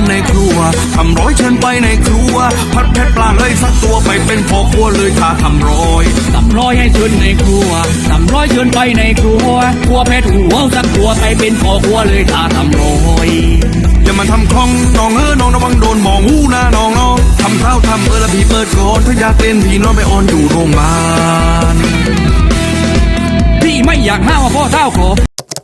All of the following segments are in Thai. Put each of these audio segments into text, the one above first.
ญในครัวทำร้อยเชิญไปในครัวผัดเผ็ดปลาเลยสักตัวไปเป็นพ่อครัวเลยถ้าทำร้อยให้เชิญในครัวทำร้อยเชิญไปในครัวครัวเผ็ดหัวสักตัวไปเป็นพ่อครัวเลยถ้าทำร้อยอย่ามาทำคล่องน้องน้องระวังโดนมองหูนะน้องทำเท้าทำละพี่เปิดก่อนถ้าอยากเล่นพี่น้องไปออนอยู่โรงพยาบาลพี่ไม่อยากห้าวว่าพ่อเท้าขอ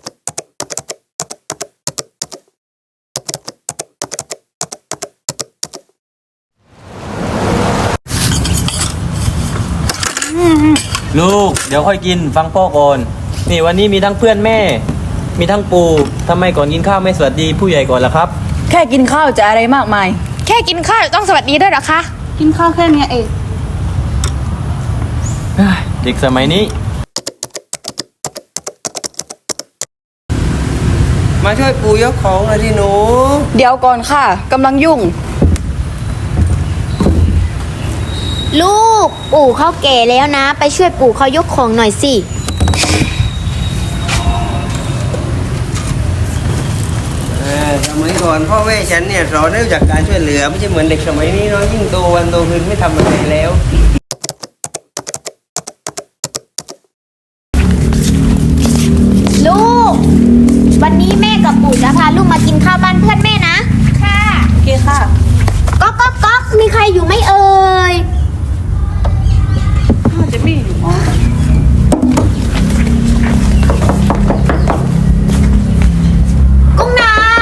ลูกเดี๋ยวค่อยกินฟังพ่อก่อนนี่วันนี้มีทั้งเพื่อนแม่มีทั้งปู่ทำไมก่อนกินข้าวไม่สวัสดีผู้ใหญ่ก่อนล่ะครับแค่กินข้าวจะอะไรมากมายแค่กินข้าวต้องสวัสดีด้วยเหรอคะกินข้าวแค่นี้เองเด็กสมัยนี้มาช่วยปู่ยกของหน่อยที่หนูเดี๋ยวก่อนค่ะกำลังยุ่งลูกปู่เขาแก่แล้วนะไปช่วยปู่เขายกของหน่อยสิสมัยก่อนพ่อแม่ฉันเนี่ยสอนเรื่องจากการช่วยเหลือไม่ใช่เหมือนเด็กสมัยนี้เนาะยิ่งโตวันโตขึ้นไม่ทำอะไรแล้วลูกวันนี้แม่กับปู่จะพาลูกมากินข้าวบ้านเพื่อนแม่นะค่ะโอเคค่ะก๊อกมีใครอยู่ไหมเอ่ยจะมีอยู่อ๋อกุ้งนาง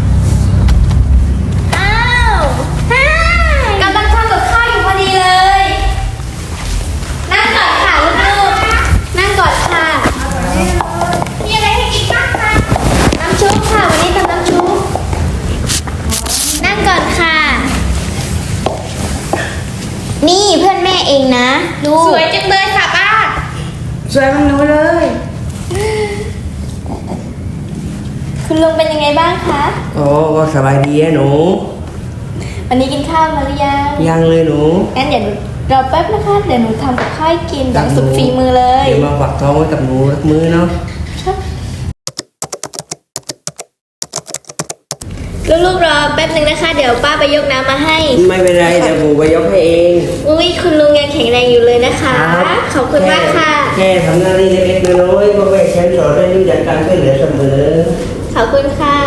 อ้าวกำลังทำกับข้าวอยู่พอดีเลยนั่งก่อนค่ะลูกๆนั่งก่อนค่ะมีอะไรให้กินบ้างคะน้ำชุบค่ะวันนี้ทำน้ำชุบนั่งก่อนค่ะนี่เพื่อนแม่เองนะดูสวยจังเลยค่ะป้าสวยมันหนูเลยคุณลุงเป็นยังไงบ้างคะโอ้ก็สบายดีนะหนูวันนี้กินข้าวมาหรือยังเลยหนูงั้นเดี๋ยวรอแป๊บนะคะเดี๋ยวหนูทำกับข้าวให้กินแบบสุดฝีมือเลยเดี๋ยวมาฝากท้องไว้กับหนูสักมื้อเนาะลูกๆรอแป๊บนึงนะคะเดี๋ยวป้าไปยกน้ำมาให้ไม่เป็นไรเดี๋ยวปู่ไปยกให้เองอุ้ยคุณลุงยังแข็งแรงอยู่เลยนะคะขอบคุณมากค่ะแค่ทำหน้าที่เล็กๆน้อยๆพ่อแม่ฉันสอนให้รู้จักการช่วยเหลือเสมอขอบคุณค่ะ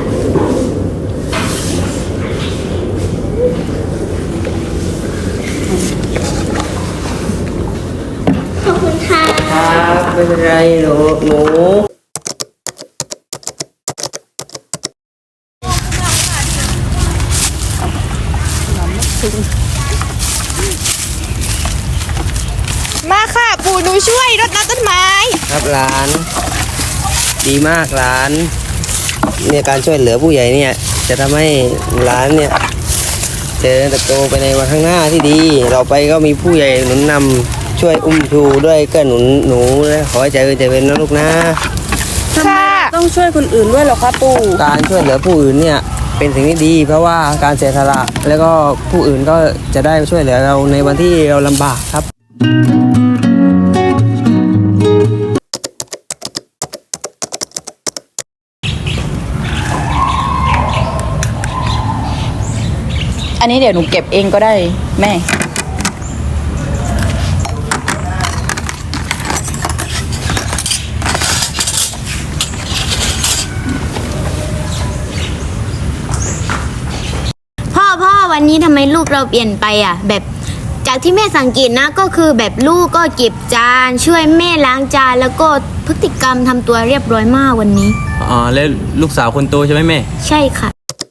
ขอบคุณค่ะครับไม่เป็นไรหนูมาค่ะปู่หนูช่วยรดน้ำต้นไม้ครับหลานดีมากหลานเนี่ยการช่วยเหลือผู้ใหญ่เนี่ยจะทำให้หลานเนี่ยเจริญเติบโตไปในวันข้างหน้าที่ดีเราไปก็มีผู้ใหญ่หนุนนำช่วยอุ้มชูด้วยก็หนุนหนูนะขอให้ใจเป็นนะลูกนะค่ะต้องช่วยคนอื่นด้วยเหรอคะปู่การช่วยเหลือผู้อื่นเนี่ยเป็นสิ่งที่ดีเพราะว่าการเสียสละแล้วก็ผู้อื่นก็จะได้ช่วยเหลือเราในวันที่เราลำบากครับอันนี้เดี๋ยวหนูเก็บเองก็ได้แม่พ่อวันนี้ทำไมลูกเราเปลี่ยนไปอ่ะแบบจากที่แม่สังเกตนะก็คือแบบลูกก็เก็บจานช่วยแม่ล้างจานแล้วก็พฤติกรรมทำตัวเรียบร้อยมากวันนี้แล้วลูกสาวคนโตใช่ไหมแม่ใช่ค่ะ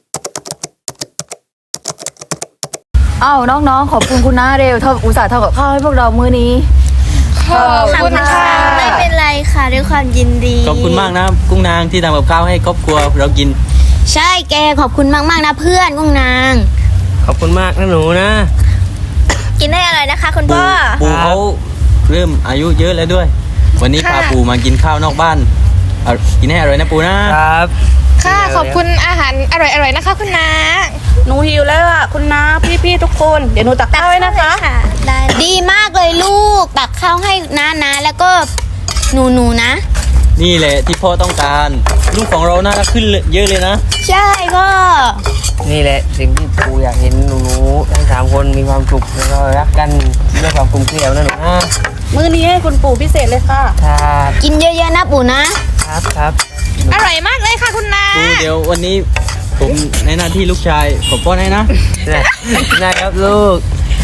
อ้าวน้องๆขอบคุณคุณน้าเร็วเธออุตส่าห์ทำกับข้าวให้พวกเรามื้อนี้ขอบคุณค่ะไม่เป็นไรค่ะด้วยความยินดีขอบคุณมากนะกุ้งนางที่ทำกับข้าวให้ครอบครัวเรากินใช่แกขอบคุณมากๆนะเพื่อนกุ้งนางขอบคุณมากนะหนูนะกินได้อร่อยนะคะคุณพ่อปู่เขาเริ่มอายุเยอะแล้วด้วยวันนี้พาปู่มากินข้าวนอกบ้านกินให้อร่อยนะปู่นะครับค่ะขอบคุณอาหารอร่อยๆนะคะคุณน้าหนูหิวแล้วอ่ะคุณน้าพี่ๆทุกคนเดี๋ยวหนูตักข้าวให้นะคะดีมากเลยลูกตักข้าวให้น้าแล้วก็หนูนะนี่แหละที่พ่อต้องการ ลูกของเราน่ารักขึ้นเยอะเลยนะใช่พ่อนี่แหละสิ่งที่ปู่อยากเห็นหนูๆทั้ง3 คนมีความสุขแล้วก็รักกันด้วยความกลมเกลียวนะหนูนะมื้อนี้ให้คุณปู่พิเศษเลยค่ะครับกินเยอะๆนะปู่นะครับอร่อยมากเลยค่ะคุณนาปูเดี๋ยววันนี้ผมในหน้าที่ลูกชายขอป้อนให้นะได้ครับลูก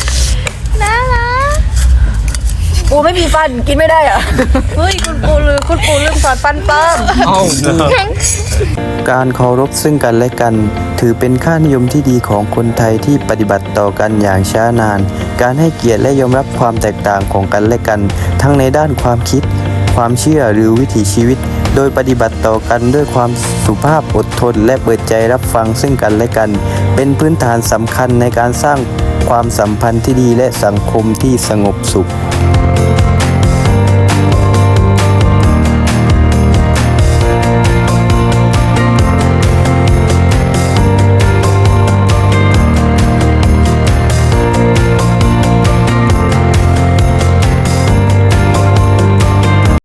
ปู่ไม่มีฟันกินไม่ได้เหรอ เฮ้ยคุณปู่ลืมสอนฟันเปิ้มเอาการเคารพซึ่งกันและกัน ถือเป็นค่านิยมที่ดีของคนไทยที่ปฏิบัติต่อกันอย่างช้านาน การให้เกียรติและยอมรับความแตกต่างของกันและกัน ทั้งในด้านความคิด ความเชื่อหรือวิถีชีวิต โดยปฏิบัติต่อกันด้วยความสุภาพอดทน และเปิดใจรับฟังซึ่งกันและกัน เป็นพื้นฐานสำคัญในการสร้างความสัมพันธ์ที่ดีและสังคมที่สงบสุข